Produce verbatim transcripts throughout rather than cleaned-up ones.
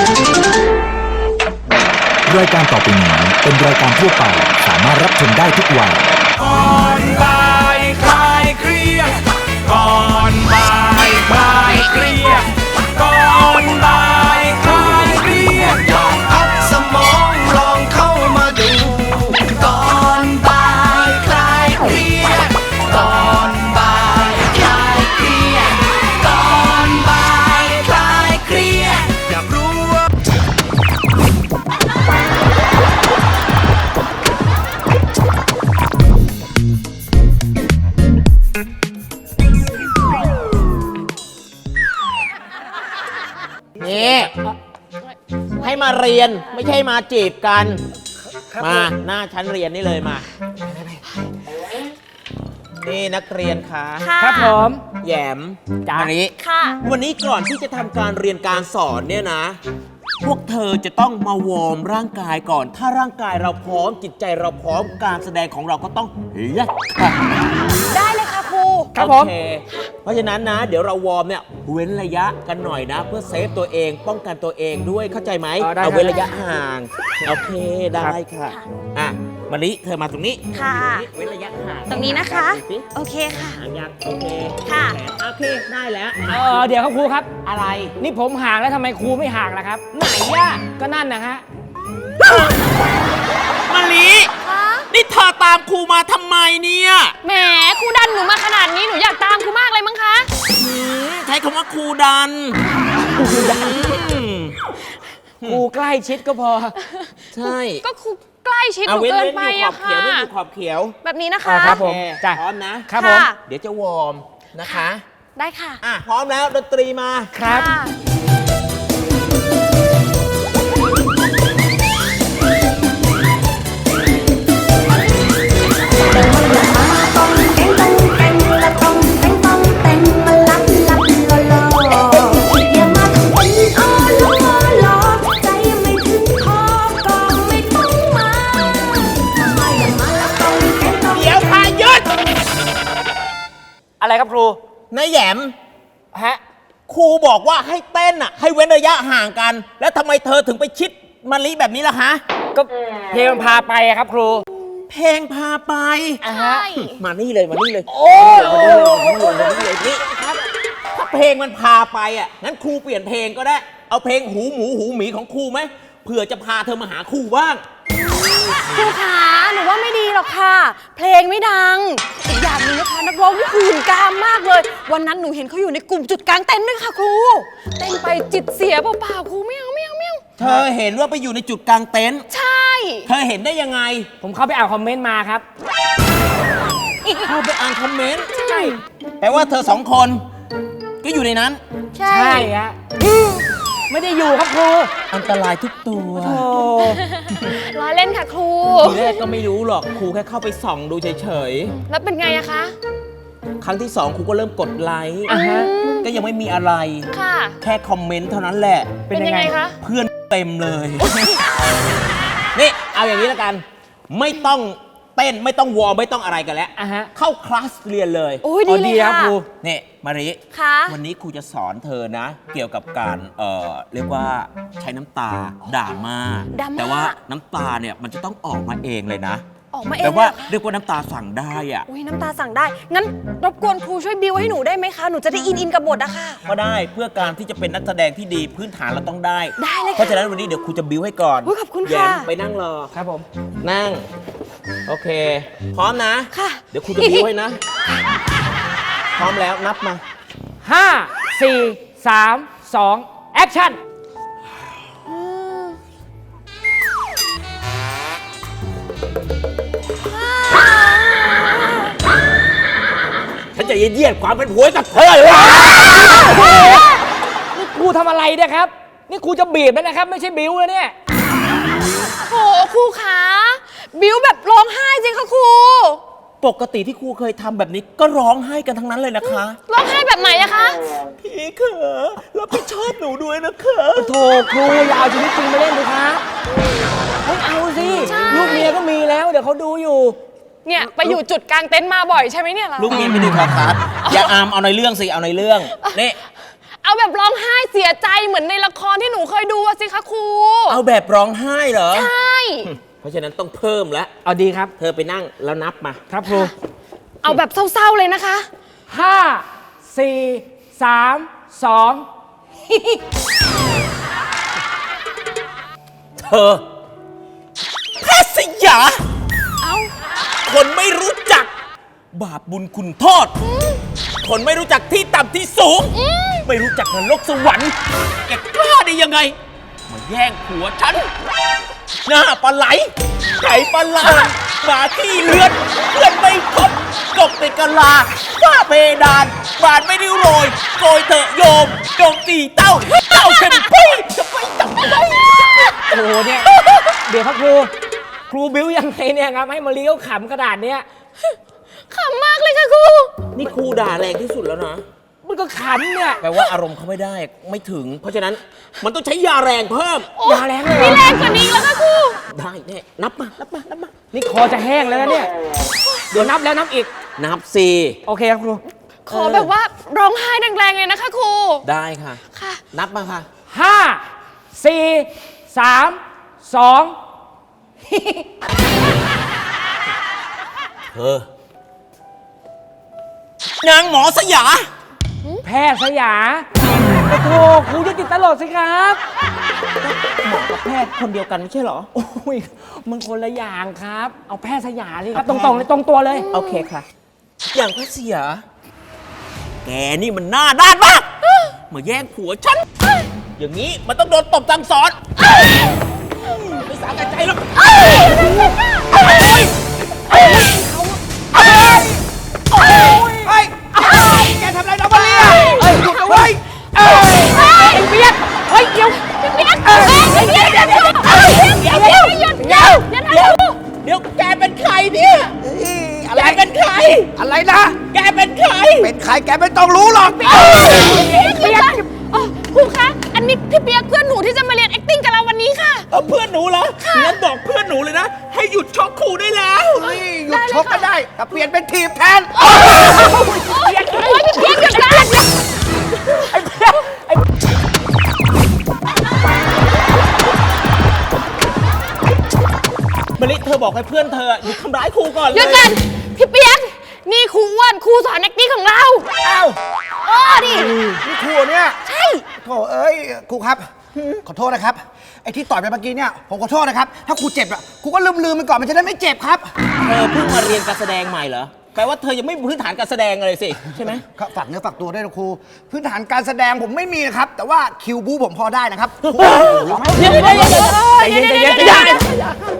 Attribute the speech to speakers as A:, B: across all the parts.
A: รายการต่อไปนี้เป็นรายการทั่วไปสามารถรับชมได้ทุกวัย
B: ก่อนบ่ายคลายเครียดก่อนบ่ายคลายเครียดก่อนบ่ายคลายเครียดลองพักสมองลองเข้ามาดูก่อนบ่ายคลายเครียดก่อนบ่ายคลายเครียดก่อนบ่ายคลายเครียดอยากรู้ว่า
C: นี่ให้มาเรียนไม่ใช่มาจีบกันมาหน้าชั้นเรียนนี่เลยมานี่นักเรียนคะ
D: ครับผม
C: แหยมจาริ
D: ค่ะ
C: วันนี้ก่อนที่จะทำการเรียนการสอนเนี่ยนะพวกเธอจะต้องมาวอร์มร่างกายก่อนถ้าร่างกายเราพร้อมจิตใจเราพร้อมการแสดงของเราก็ต้องเลิศค่ะ
D: ได้เลยค่ะครู
C: ครับผมเพราะฉะนั้นนะเดี๋ยวเราวอร์มเนี่ยเว้นระยะกันหน่อยนะเพื่อเซฟตัวเองป้องกันตัวเองด้วยเข้าใจไหมเอาเว้นระยะห่างโอเคได้ค่ะอ่ะมะลิเธอมาตรงนี้
D: ค่ะ
C: เว้นระยะห่าง
D: ตรงนี้นะคะโอเคค่ะ
C: ห่างยังโอเค
D: ค่ะ
C: โอเคได้แล้ว
D: เออเดี๋ยวครับครูครับ
C: อะไร
D: นี่ผมห่างแล้วทำไมครูไม่ห่างล่ะครับไหนย่ะก็นั่นนะฮะ
C: มะลินี่เธอตามครูมาทำไมเนี่ย
D: แหมครูดันหนูมาขนาดนี้หนูอยากตามครูมากเลยมั้งคะ
C: ใช้คำว่าครูดัน
D: ครูดันครูใกล้ชิดก็พอ
C: ใช่
D: ก็ครูใกล้ชิดเกินไปอะค่ะ
C: เว้นอยู่ขอบเขียว
D: แบบนี้นะคะ
C: ครับผมพร้อมนะครับผมเดี๋ยวจะวอร์มนะคะ
D: ได้ค่ะ
C: อ่ะพร้อมแล้วดนตรีมา
D: ครับอะไรครับครู
C: นายแหยม
D: ฮะ
C: ครูบอกว่าให้เต้นอ่ะให้เว้นระยะห่างกันแล้วทำไมเธอถึงไปชิดมะลิแบบนี้ล่ะฮะ
D: ก็เพลงพาไปครับครู
C: เพลงพาไป
D: ใช่
C: มานี่เลยมานี่เลย
D: โอ้
C: มานี่เลยมานี่เลยนี่ครับถ้าเพลงมันพาไปอ่ะงั้นครูเปลี่ยนเพลงก็ได้เอาเพลงหูหมูหูหมีของครูไหมเผื่อจะพาเธอมาหาครูบ้าง
D: ครูขาหนูว่าไม่ดีหรอกค่ะเพลงไม่ดังอีกอย่างนึงนะคะนักร้องนี่หื่นกามมากเลยวันนั้นหนูเห็นเขาอยู่ในกลุ่มจุดกลางเต็นท์ด้วยค่ะครูเต้นไปจิตเสียเปล่าๆครูไม่เอาไม่เอาไม่เอา
C: เธอเห็นว่าไปอยู่ในจุดกลางเต็นท์
D: ใช่
C: เธอเห็นได้ยังไง
D: ผมเข้าไปอ่านคอมเมนต์มาครับ
C: เข้าไปอ่านคอมเมนต์ใช่แปลว่าเธอสองคนก็อยู่ในนั้น
D: ใช่ฮะไม่ได้อยู่ครับครู
C: อันตรายทุกตัว
D: โอ้ล้อเล่นค่ะครู
C: ทีแรกก็ไม่รู้หรอกครูแค่เข้าไปส่องดูเฉย
D: ๆแล้วเป็นไงอะคะ
C: ครั้งที่สองครูก็เริ่มกดไลค์ก็ยังไม่มีอะไร
D: ค่ะ
C: แค่คอมเมนต์เท่านั้นแหละ
D: เป็นยังไงคะ
C: เพื่อนเต็มเลยนี่เอาอย่างนี้แล้วกันไม่ต้องเต้นไม่ต้องวอร์มไม่ต้องอะไรกันแล้วเข้าคลาสเรียนเลย
D: โอ้ยดีเลยค่ะ
C: ครูนี่มาริวันนี้ครูจะสอนเธอนะเกี่ยวกับการเอ่อเรียกว่าใช้น้ำตาด่ามาแต่ว่าน้ำตาเนี่ยมันจะต้องออกมาเองเลยนะ
D: ออกมาเอง
C: แต่ว่าเรียกว่าน้ำตาสั่งได้อ่ะ
D: อุ้ยน้ำตาสั่งได้งั้นรบกวนครูช่วยบิวให้หนูได้ไหมคะหนูจะได้อินอินกับบทอะค่ะ
C: ก็ได้เพื่อการที่จะเป็นนักแสดงที่ดีพื้นฐานเราต้องได้
D: ได้เลยค่ะ
C: เพราะฉะนั้นวันนี้เดี๋ยวครูจะบิวให้ก่อน
D: ขอบคุณค่ะ
C: ไปนั่งรอ
D: ครับผม
C: นั่งโอเคพร้อมนะ
D: ค่ะ
C: เดี๋ยวครูจะบิวให้นะพร้อมแล้วนับมา
D: ห้าสี่สามสองแอคชั่น
C: ฉันจะเยียดความเป็นผัวกับเธอเลย
D: นี่ครูทำอะไรเนี่ยครับนี่ครูจะบีบแล้วนะครับไม่ใช่บิ้วแล้วเนี่ยโอ้ครูขาบิ้วแบบร้องไห้จริงค่ะครู
C: ปกติที่ครูเคยทำแบบนี้ก็ร้องไห้กันทั้งนั้นเลยนะคะ
D: ร้องไห้แบบไหนอะคะ
C: พี่เขอรับผิดชอบหนูด้วยนะคะ
D: โถครูอย่าเอาชีวิตจริงมาเล่นเลยคะเฮ้ยเอาสิลูกเมียก็มีแล้วเดี๋ยวเขาดูอยู่เนี่ยไปอยู่จุดกลางเต็นท์มาบ่อยใช่ไหมเนี่ยเรา
C: ลูกเมียไม่ดูครับครับอย่าอามเอาในเรื่องสิเอาในเรื่องนี่
D: เอาแบบร้องไห้เสียใจเหมือนในละครที่หนูเคยดูสิคะครู
C: เอาแบบร้องไห้เหรอ
D: ใช่
C: เพราะฉะนั้นต้องเพิ่มแล้ว
E: เอาดีครับ
C: เธอไปนั่งแล้วนับมา
E: ครับครู
D: เอาแบบเศร้าๆเลยนะคะ
E: ห้าสี่สามสอง
C: เธอแพทย์สยา
D: เอา
C: คนไม่รู้จัก บาปบุญคุณโทษ คนไม่รู้จักที่ต่ำที่สูง ไม่รู้จักนรกสวรรค์ แกกล้าได้ยังไง มาแย่งผัวฉัน หน้าปลาไหล ไก่ปลาลาหมาที่เลือนเพื่อนไม่ครบกบในกะลาฝ้าเพดาน บานไม่ได้โรยโกยเถอะโยมโยมตีเต้า เต้าเข็มปุ้ยจะไปจับได้
E: โอ้โหเนี่ย เดี๋ยวครับครู ครูบิ้วยังไงเนี่ยครับ ให้มาเลี้ยวขำกระดาษเนี้ย
D: ขำมากเลยค่ะครู
C: นี่ครูด่าแรงที่สุดแล้วนะ
E: มันก็ขำเนี่ย
C: แปลว่าอารมณ์เขาไม่ได้ไม่ถึง เพราะฉะนั้นมันต้องใช้ยาแรงเพิ่ม
E: ยาแรงเลยเหร
D: มี
E: อ
D: แรงกว่านี้แล้วค่ะครู
C: ได้แน่นับมา นับมา นับมา
E: นี่คอจะแห้งแล้วนะเนี่ย เดี๋ยวนับแล้วนับอีก
C: นับสี่
E: โอเคครับครู
D: ขอแบบว่าร้องไห้แรงๆเลยนะคะครู
C: ได้ค่ะ
D: ค่ะ
C: นับมาค่ะ
E: ห้าสี่สามสอง
C: เธอ นางหมอสยา
E: แพทย์สยาโอ้โหครูจะติดตลกสิครับ
C: หมอกับแพทย์คนเดียวกันไม่ใช่เหรอ
E: โอ้ยมันคนละอย่างครับ เอาแพทย์สยาสิครับ ตรงๆเลยตรงตัวเลย
C: โอเคค่ะ อย่างแพทย์สยา แกนี่มันหน้าด้านมากมาแย่งผัวฉัน อย่างนี้มันต้องโดนตบสั่งสอนไม่สาแก่ใจหรอกแกทำอะไรน้องมาเรียเฮ้ยหยุดนะเว้ย
E: ไอ้เปียกเฮ้ยเดี๋ยว
D: พี่เปี๊ยกเอ้ยเดี๋ยวเดี๋ยวเดี๋ยวเดี๋ยวเดี๋ยวหยุดเดี๋ยวเดี๋ยวเดี๋ยว
C: เดี๋ยวแกเป็นใครเนี่ยแกเป็นใคร
F: อะไรนะ
C: แกเป็นใคร
F: เป็นใครแกไม่ต้องรู้หรอก
D: พี่เปี๊ยกอ๋อครูคะ อันนี้พี่เปี๊ยกเพื่อนหนูที่จะมาเรียน acting กับเราวันนี้ค่ะ
C: เอาเพื่อนหนูเหรองั้นบอกเพื่อนหนูเลยนะ ให้หยุดชกครูได้แล้ว
F: เฮ้ยหยุดชกก็ได้แต่เปลี่ยนเป็นทีมแทน
D: โอ้ยพี่เปี๊ยกหยุดนะ
C: มะลิเธอบอกให้เพื่อนเธอหยุดทำร้ายครูก่อนเลย
D: หยุดกันพี่เปี๊ยกนี่ครูอ้วนครูสอน acting ของเรา
F: อ้าว
D: เออดิ
F: นี่ครูเนี่ย
D: ใช่
F: โถเอ้ยครูครับ ขอโทษนะครับ ไอ้ที่ต่อยไปเมื่อกี้เนี่ยผมขอโทษนะครับ ถ้าครูเจ็บอ่ะครูก็ลืมลืมๆมันก่อนมันจะได้ไม่เจ็บครับ
C: เธอเพิ่งมาเรียนการแสดงใหม่เหรอ แปลว่าเธอยังไม่มีพื้นฐานการแสดงเลยสิใช่ไหม
F: ครับฝากเนื้อฝากตัวด้วยนะครู พื้นฐานการแสดงผมไม่มีนะครับ แต่ว่าคิวบูผมพอได้นะครับครูลองให้
C: เดี๋ยวเดี๋ยวเดี๋ยวเดี๋ยว
E: ใจเย็นใจเย็นใจเย็น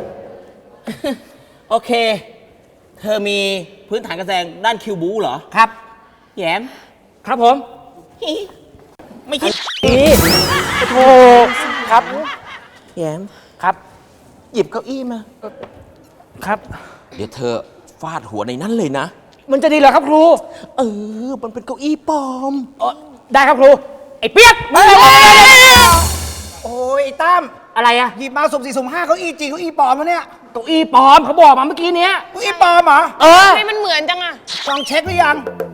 C: โอเค เธอมีพื้นฐานการแสดงด้านคิวบูเหรอ
F: ครับ
C: แยม
E: ครับผม
C: ไม่คิด
E: นี่โอ้ครับ
C: แยม
E: ครับ
C: หยิบเก้าอี้มา
E: ครับ
C: เดี๋ยวเธอฟาดหัวในนั้นเลยนะ
E: มันจะดีเหรอครับครู
C: เออ มันเป็นเก้าอี้ปลอม
E: เอ่อได้ครับครู ไอ้เปียก
F: โอ้ยไอ้ตั้ม
E: อะไรอะ
F: หยิบมาสุ่มสี่สุ่มห้าเก้าอี้จริงเก้าอี้ปลอมวะเนี่ย
E: เก้าอี้ปลอมเขาบอกมาเมื่อกี้เนี้ย
F: เก้าอี้ปลอมเหรอ
E: เออ
D: ทำไมมันเหมือนจังอะ
F: ลองเช็คหรือยัง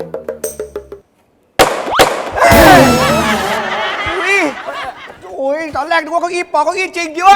F: อุ้ยอุ้ยตอนแรกนึกว่าเก้าอี้ปลอมเก้าอี้จริงด้วย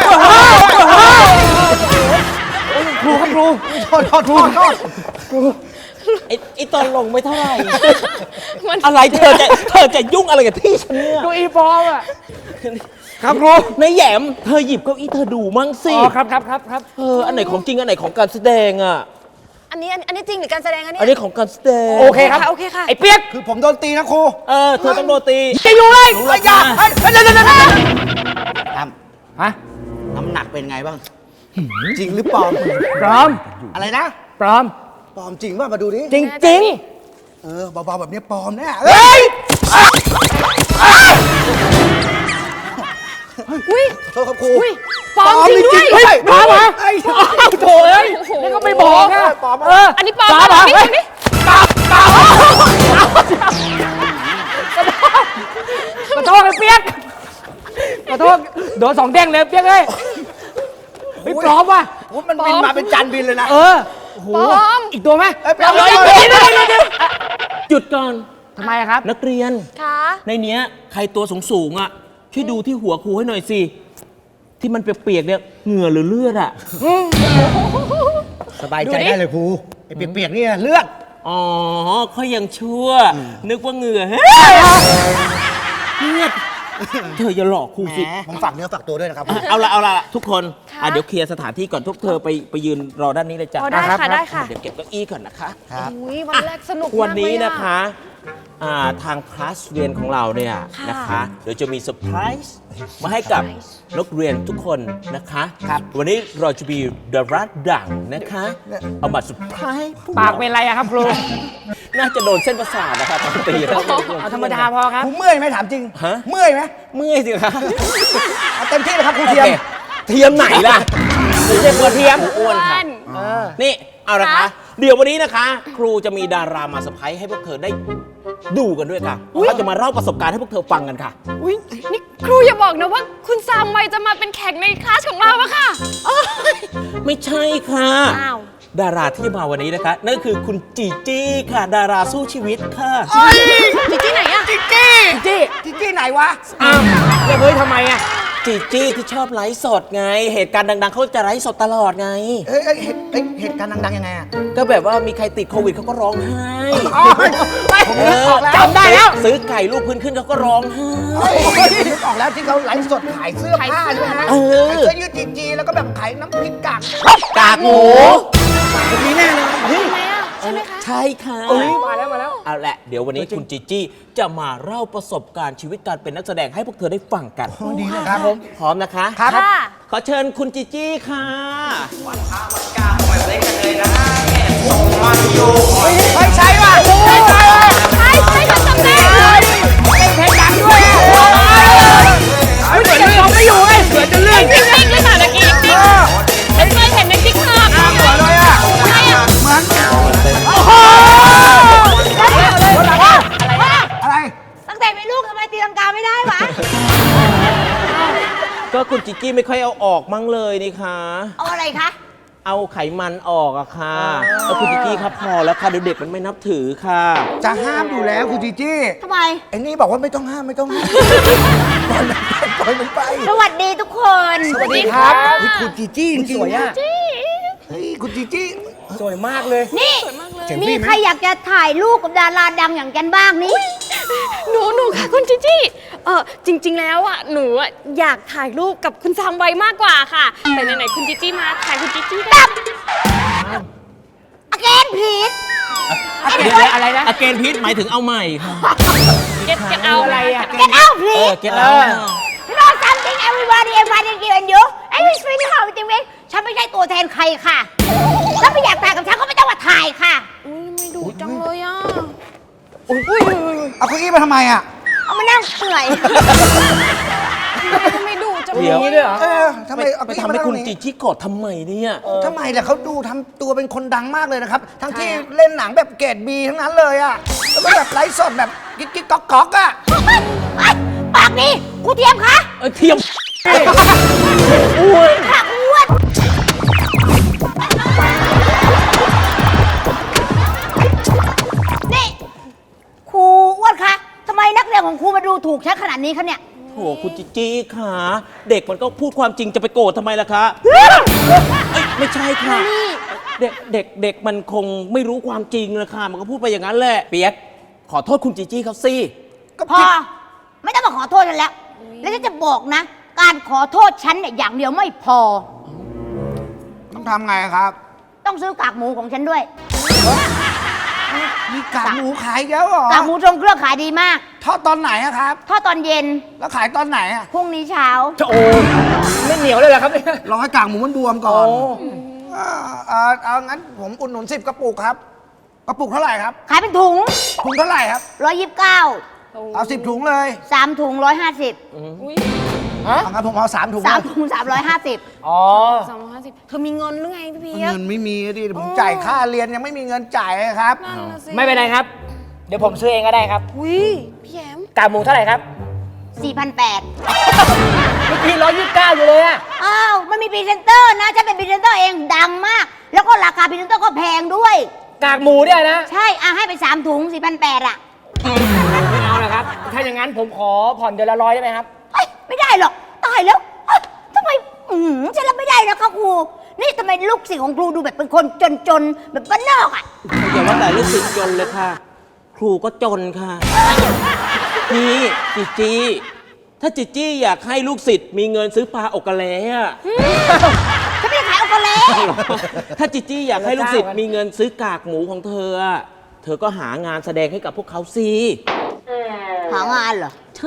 E: ครูครับครู
F: โทษโทษโทษโทษ
C: ไอ้ไอ้ตอนลงไม่เท่าไหร่
D: มัน
C: อะไรเธอจะเธอจะยุ่งอะไรกับที่ฉันเนี่ย
E: เก้าอี้ปลอมอะครับครู
C: ในแหยม เธอหยิบเก้าอี้เธอดูมั่งสิ
E: อ๋อครับครับครับครับ
C: เออ อันไหนของจริง อันไหนของการแสดงอ่ะ
D: อันนี้อันนี้จริงหรือการแสดงคะเนี่ย
C: อันนี้ของการแสดง
E: โอเคครับ
D: โอเคค่ะ
E: ไอ้เปียก
F: คือผมโดนตีนะครู
C: เออ เธอต้องโดนตี
E: จะอยู่เลย
C: รู้
F: ไอ้
C: หร
F: ยา
C: อกนะ
F: เฮ้ยเดี๋ยวเดี๋ยวเดี๋ยวตั้ม
E: ฮะ
F: น้ำหนักเป็นไงบ้าง จริงหรือปลอม
E: ปลอม
F: อะไรนะ
E: ปลอม
F: ปลอมจริงป่ะมาดูดิ
E: จริงจริง
F: เออเบาๆแบบนี้ปลอมแน่เฮ้ย
D: อุ้ย
F: โทษครับครู
D: อุ้ยปลอมจริงด้วย
F: เฮ้ย
E: ปลอมเหรอ
F: ไอ้ย
E: โถ่เอ้ยนี่ก็ไม่บอกอะ
F: ปลอม
E: เออ
D: อันนี้ปลอม
E: ปลอมเหรอ
D: นี่
E: เฮ้ย
D: นี่
E: ขอโทษไอ้เปียกขอโทษโดนสองเด้งเลยเปียกเอ้ยเฮ้ยปลอมว่ะ
F: โอ้ยมันบินมาเป็นจานบินเลยนะ
E: เออโอ้โห
D: ปลอม
E: อีกตัวไหม
F: เอ้ยปลอม
E: เฮ้ย
F: ปลอม
E: เดี๋ยวเดี๋ยวเดี๋ยว
C: หยุดก่อน
E: ทำไมอะครับ
C: นักเรียน
D: ค่ะ
C: ในเนี้ยใครตัวสูงสูงๆอ่ะ ช่วยดูที่หัวครูให้หน่อยสิที่มันเปียกๆเนี่ยเหงื่อหรือเลือดอะ
F: สบายใจได้เลยครูไอ้เปียกๆเนี่ยเลือด
C: อ๋อเขายังชั่ว นึกว่าเหงื่อเฮ้ยเลือดเธออย่าหลอกครูสิ
F: แหมผมฝากเนื้อฝากตัวด้วยนะครับ
C: อ่ะเอาละเอาละทุกคน
D: ค่ะ
C: อ่ะเดี๋ยวเคลียร์สถานที่ก่อนทุกเธอไปไปยืนรอด้านนี้เลยจ้ะ
D: อ๋อได้ค่ะได้ค่ะ
C: เดี๋ยวเก็บเก้าอี้ก่อนนะคะ
F: ครับ
D: อุ้ยวันแรกสนุกมากเลยอ
C: วันนี้นะคะอ่าทางคลาสเรียนของเราเนี่ย
D: ค่ะ
C: นะคะเดี๋ยวจะมีเซอร์ไพรส์มาให้กับนักเรียนทุกคนนะคะครับวันนี้เราจะมีดาราดังนะคะเอามาเซอร์ไพรส์พว
E: ปาก
C: เรา
E: เป็นไรอะครับครู
C: น่าจะโดนเส้นประสาทนะครับตอนตีแล้ว
E: เอาธรรมดาพอครับ
F: ครูเมื่อยไหมถามจริง
C: ฮะ
F: เมื่อยไหม
C: เมื่อยสิคะ
F: เอาเต็มที่เลยครับครู
C: โอ
F: เทียม
C: เคเทียมไหนล่ะไม่ใช่ตัวเทียมอ้วนค่ะ
E: เออ
C: นี่เอาละคะเดี๋ยววันนี้นะคะ ครูจะมีดารามาเซอร์ไพรส์ให้พวกเธอได้ดูกันด้วยค่ะเขาจะมาเล่าประสบการณ์ให้พวกเธอฟังกันค่ะ
D: อุ้ยนี่ครูอย่าบอกนะว่าคุณซามไวจะมาเป็นแขกในคลาสของเราอะค่ะ
C: ไม่ใช่ค่ะ
D: อ้าว
C: ดาราที่มาวันนี้นะคะ นั่นคือคุณจีจี้ค่ะ ดาราสู้ชีวิตค่ะ
D: จิจี้ไหนอะ
F: จิ๊กจี้จี้จิ๊กจี้ไหนวะ
E: อ้าวแล้วเฮ้ยทำไมอะ
C: จีจี้ที่ชอบไลฟ์สดไง เหตุการณ์ดังๆเขาจะไลฟ์สดตลอดไง
F: เอ้ยเอ้ยเหตุเอ้ยเหตุการณ์ดังๆยังไงอะ
C: ก็แบบว่ามีใครติดโควิดเขาก็ร้องไห้
F: อ๋อผมนึกออกแล้ว
C: จำได้แล้ว ซื้อไก่ลูกพื้นขึ้นเขาก็ร้องไห้
F: เฮ้ยนึกออกแล้วที่เขาไลฟ์สดขายเสื้อผ้าใช่ไหมฮะ
C: เออ
F: ขายเสื้อยืดจีจีแล้วก็แบบขายน้ำพริกกาก
C: กากหมู
F: แบบนี้แน่เลยเฮ้ย
D: ทำไมอะใช่ไหมคะ
C: ใช่ค่ะ
E: เอ้ยมาแล้วมาแล้ว
C: เอาละเดี๋ยววันนี้คุณจีจี้จะมาเล่าประสบการณ์ชีวิตการเป็นนักแสดงให้พวกเธอได้ฟังกัน
F: ดีนะครับผม
C: พร้อมนะคะ
F: ครับ
D: ค่ะ
C: ขอเชิญคุณจีจี้ค่ะ
F: ไม่ใช่ว่ะไม่ใช่ว่ะ
D: ใช่ใช่ฉันจำได้
E: เพลงดังด้วยอะเฮ้ยเหมือนเราไม่อยู่ไงเหมือนจะเลื่อน
D: จริงๆเลยค่ะเมื่อกี้จริงฉันเคยเห็นในติ๊กต็อก
F: เหมือนเลยอ่ะ
D: ใช่อะ
F: เหมือนอะไร
G: ตั้งแต่เป็นลูกทำไมตีลังกาไม่ได้วะ
C: ก็คุณจีจี้ไม่ค่อยเอาออกมั่งเลยนี่คะ
G: เอาอะไรคะ
C: เอาไขมันออกอะค่ะแล้วคุณจีจี้ครับพอแล้วค่ะเดี๋ยวเด็กมันไม่นับถือค่ะ
F: จะห้ามอยู่แล้วคุณจีจี้
G: ทำไม
F: ไอ้นี่บอกว่าไม่ต้องห้ามไม่ต้องห้ามปล่อยมันไป
G: สวัสดีทุกคน
F: สวัสดีครับเฮ้ยคุณจีจี้จริง
E: สวยอะ
F: เฮ้ยคุณจีจี้
E: สวยมากเลย
G: นี่
F: เจ๋ง
G: มี
F: พี่ไหม
G: ใครอยากจะถ่ายรูปกับดาราดังอย่างกันบ้างนี่
D: หนูหนูค่ะคุณจิจี้เออจริง ๆ แล้วอ่ะหนูอะอยากถ่ายรูปกับคุณซามไวมากกว่าค่ะ แต่ไหนๆคุณจิจี้มาถ่ายคุณจิจี้กัน
G: อเกนผีด
C: เดี๋ยวอะไรนะอเกนพิษหมายถึงเอาใหม่ค่ะ
D: เก็ตเก็ตเอา
E: อะไรอะ
G: เกนเอาผี
C: เออ
G: ด
C: เก็ตเอา
G: You know something everybody everybody give you I will speak how it will ฉันไม่ใช่ตัวแทนใครค่ะถ้าไม่อยากถ่ายกับฉันก็ไม่ต้องมาถ่ายค่ะ
D: อุ้ยไม่ดูจังเลยอ่ะ
F: เอาเก้าอี้มาทำไมอ่ะ
G: เอามานั่งเปื่อย
D: ไม่ดูจัง
C: เดี๋ยว
E: มีด้วยเหรอ
F: เออทำไมเอา
C: ไป
F: เก้าอี้
C: ทำ
F: มา
C: ให้
F: นั่ง
C: คุณ
F: ตรง
C: จี
F: นี้
C: จี้โกรธทำไมเนี่ย
F: ทำไมล่ะเขาดูทำตัวเป็นคนดังมากเลยนะครับ ทั้งที่เล่นหนังแบบเกรดบีทั้งนั้นเลยอ่ะแล้วก็แบบไลฟ์สดแบบกิ๊กกิ๊กก๊อกก๊อกอ่ะ
G: ไอ้ปากดีกูเทียมคะ
C: เออเทียม
G: ปากอ้วนนี่ครูอ้วนคะทำไมนักเรียนของครูมาดูถูกฉันขนาดนี้คะเนี่ย
C: โหคุณจีจี้ค่ะ เด็กมันก็พูดความจริงจะไปโกรธทำไมล่ะคะเอ้ยไม่ใช่ค่ะ เด็กเด็กเด็กมันคงไม่รู้ความจริงเลยค่ะ มันก็พูดไปอย่างนั้นแหละ เปียก ขอโทษคุณจีจี้เขาสิ
F: ก็
G: พอ
F: ผิด
G: ไม่ต้องมาขอโทษฉันแล้ว แล้วฉันจะบอกนะ การขอโทษฉันเนี่ยอย่างเดียวไม่พอ
F: ต้องทำไงครับ
G: ต้องซื้อกากหมูของฉันด้วย
F: มีกากหมูขายแล้วเหรอก
G: ากหมูทรงเครื่องขายดีมาก
F: ทอดตอนไหนอะครับ
G: ทอดตอนเย็น
F: แล้วขายตอนไหนอะ
G: พรุ่งนี้เช้า
E: โอ้ไม่เหนียวเลยเหรอครับเนี่ย
F: รอให้กากหมูมันบวมก่อน
E: โอ้
F: อ่าเอาเอางั้นผมอุดหนุนสิบกระปุกครับ กระปุกเท่าไหร่ครับ
G: ขายเป็นถุง
F: ถุงเท่าไหร่ครับ
G: ร้อยยี่สิบเก้า
F: เอาสิบถุงเลย
G: สามถุงร้อยห้าสิบ
F: เอางั้นผมเอาสามถุง
G: สาม
F: นะ
G: ถุงสามร้อยห้าสิบ
E: อ๋อ
D: สามร้อยห้าสิบเธอมีเงินหรือไงพี่เพียก
F: เงินไม่มีดิผมจ่ายค่าเรียนยังไม่มีเงินจ่ายเลยครับ
D: นั่นน่ะสิ
E: ไม่เป็นไรครับ เดี๋ยวผมซื้อเองก็ได้ครับ
D: อุ้ยพี่แยม
E: กากหมูเท่าไหร่ครับ
G: สี่พันแปด
E: เมื่อกี้ร้อยยี่สิบเก้าอยู่เลยอะ
G: อ้าวมันมีพรีเซนเตอร์นะฉันเป็นพรีเซนเตอร์เองดังมาก แล้วก็ราคาพรีเซนเตอร์ก็แพงด้วย
E: กากหมูเนี่ยนะ
G: ใช่อ่ะให้ไปสามถุงสี่พันแปดอ่ะ
E: ไม่เอานะครับ ถ้าอย่างนั้นผมขอผ่อนเดือนละร้อยได้ไหมครับ
G: เอ้ยไม่ได้หรอก ตายแล้วเอ้ยทำไมอืมฉันรับไม่ได้นะคะครู นี่ทำไมลูกศิษย์ของครูดูแบบเป็นคนจนๆ แบบบ้านนอกอ่ะ
C: อย่าว่าแต่ลูกศิษย์จนเลยค่ะ ครูก็จนค่ะ นี่จิจี้ ถ้าจิจี้อยากให้ลูกศิษย์มีเงินซื้อปลาอกกะเลอะ
G: ฉันไม่ได้ขายโอกาเล่
C: ถ้าจิจี้อยากให้ลูกศิษย์มีเงินซื้อกากหมูของเธออะเธอก็หางานแสดงให้กับพวกเขาสิ
G: หางานเหรอ
C: ใช่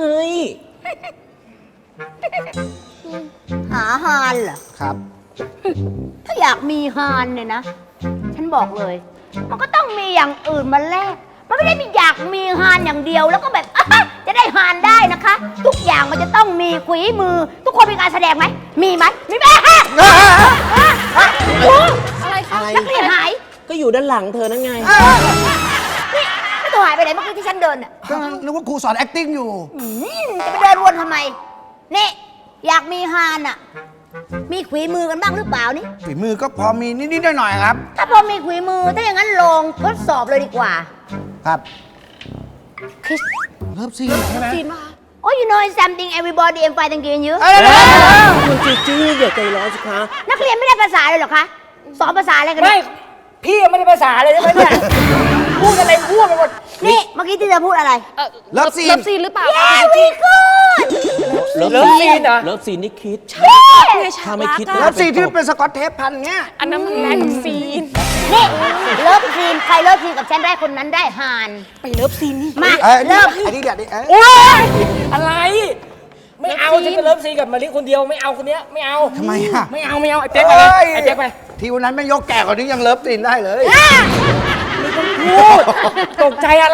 G: หาฮานเหรอ
F: ครับ
G: ถ้าอยากมีฮานเนี่ยนะ ฉันบอกเลย มันก็ต้องมีอย่างอื่นมาแลก มันไม่ได้มีอยากมีฮานอย่างเดียวแล้วก็แบบ อ่ะจะได้ฮานได้นะคะ ทุกอย่างมันจะต้องมีขุยมือ ทุกคนมีการแสดงไหม มีไหมมีไหมฮะครู
D: อะไรคะ
G: นักเรียนหาย
C: ก็อยู่ด้านหลังเธอนั่นไง
G: นี่แล้วตัวหายไปไหนเมื่อกี้ที่ฉันเดินอ่ะ
F: ก็นึกว่าครูสอน acting อยู่
G: อืมจะไปเดินวนทำไม นี่ อยากมีฮานอ่ะ มีขุยมือกันบ้างหรือเปล่านี่
F: ฝีมือก็พอมีนิดๆหน่อยๆครับ
G: ถ้าพอมีขุยมือ ถ้าอย่างนั้นลองทดสอบเลยดีกว่า
F: ครับ
G: คิส
F: เลิฟซีนใช่ไหม
D: จีนมา
G: Oh you know something everybody I'm fighting against you
F: เอ้ยเดี๋ยวๆ
C: คุณจิจี้อย่าใจร้อนสิคะ
G: นักเรียนไม่ได้ภาษาเลยเหรอคะ สอนภาษาอะไรกัน
E: ไม่
G: เนี่ย
E: พี่ยังไม่ได้ภาษาเลยใช่ไหมเนี่ย พูดอะไรพูดไปหมด
G: นี่ เมื่อกี้ที่เธอพูดอะไร
D: เอ่อ
F: เลิฟซีน
D: เลิฟซีนหรือเปล่า
G: เย้
D: คะ
G: วีกูด
C: เลิฟ
E: เลิฟซีนเหรอ
C: เลิฟซีนนี่คิด
D: ไงฉา
C: ถ้าก ไม่
D: รัก
C: คิด
D: อะ
F: เลิฟซีนที่เป็นสกอตเทปพันเงี้ย
D: อันนั้นมันแม็กซีน
G: นี่ เลิฟซีน ใครเลิฟซีนกับฉันได้คนนั้นได้ฮาน
D: ไปเลิฟซีนนี่
G: มา
F: เอ้ย
G: เริ่ม
F: อันนี้เดี๋ยวดิเอ้ย
E: โอ๊ยอะไร ไม่เอาฉันจะเลิฟซีกับมาริคนเดียวไม่เอาคนเนี้ยไม่เอา
F: ทำไมอ่ะ
E: ไม่เอาไม่เอาไอ้เจ๊กไปเลยไอ้เจ๊กไป
F: ทีวันนั้นไม่ยกแก่กว่านี้ยังเลิฟซีนได้เลย
E: พูดตกใจอะไร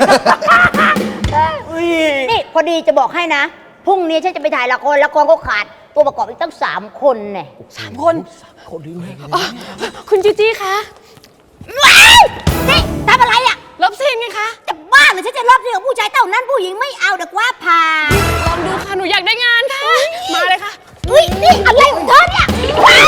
E: อุ้ย
G: นี่ พอดีจะบอกให้นะ พรุ่งนี้ฉันจะไปถ่ายละคร ละครก็ขาดตัวประกอบอีกตั้งสามคนเนี่ย
D: สามคนอ๋อคุณจีจี้คะ
G: ว้ายนี่ทำอะไรอ่ะ
D: เลิฟซีนไงคะ
G: จะบ้าเหรือฉันจะเลิฟซีนกับผู้ชายเท่านั้นผู้หญิงไม่เอาเด็กว่าผ่า
D: ลองดูค่ะ หนูอยากได้งานค่ะ มาเลยค่ะ
G: อุ้ยนี่อะไรของเธอเนี่ยว้าย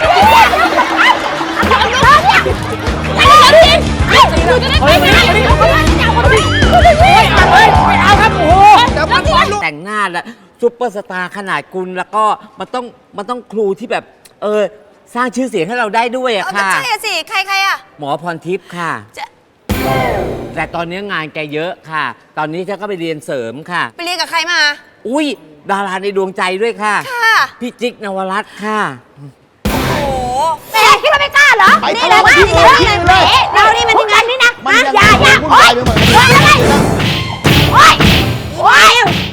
G: อะไรของเธอเนี่ย
D: เลิฟซีนหนูจะได้ไปงาน
G: เอาคนนั้นจะเอาคนนี้
E: ไม่เอาครับโอ้โห
C: แต่งหน้าแล้วซุปเปอร์สตาร์ขนาดคุณแล้วก็มันต้องมันต้องครูที่แบบ เออ สร้างชื่อเสียงให้เราได้ด้วยอะค่ะ
D: ใช่อะสิ ใครใครอะ
C: หมอพรทิพย์ค่ะ แต่ตอนนี้งานแกเยอะค่ะ ตอนนี้ฉันก็ไปเรียนเสริมค่ะ
D: ไปเรียนกับใครมา
C: อุ้ยดาราในดวงใจด้วยค่ะ
D: ค่ะ
C: พี่จิ๊กนวรัตน์ค่ะ
D: โอ้โห
G: แหมคิดว่าไม่กล้าเหรอ
F: ไป
G: นี่เลย
F: ทะ
G: ว่า
F: เลาะ
G: นี่
F: กัน
G: เลย
F: ที่
G: แห
F: เลย
G: มเรานี่มันที่กันนี่นะ
F: มัน
G: ฮะ
F: ยัง
G: อย่าอย่า
F: วุ่น
G: โอ๊
F: วาย ยไปหมดเลย
G: โอ๊ยอะไรโอ๊ยโอ๊ย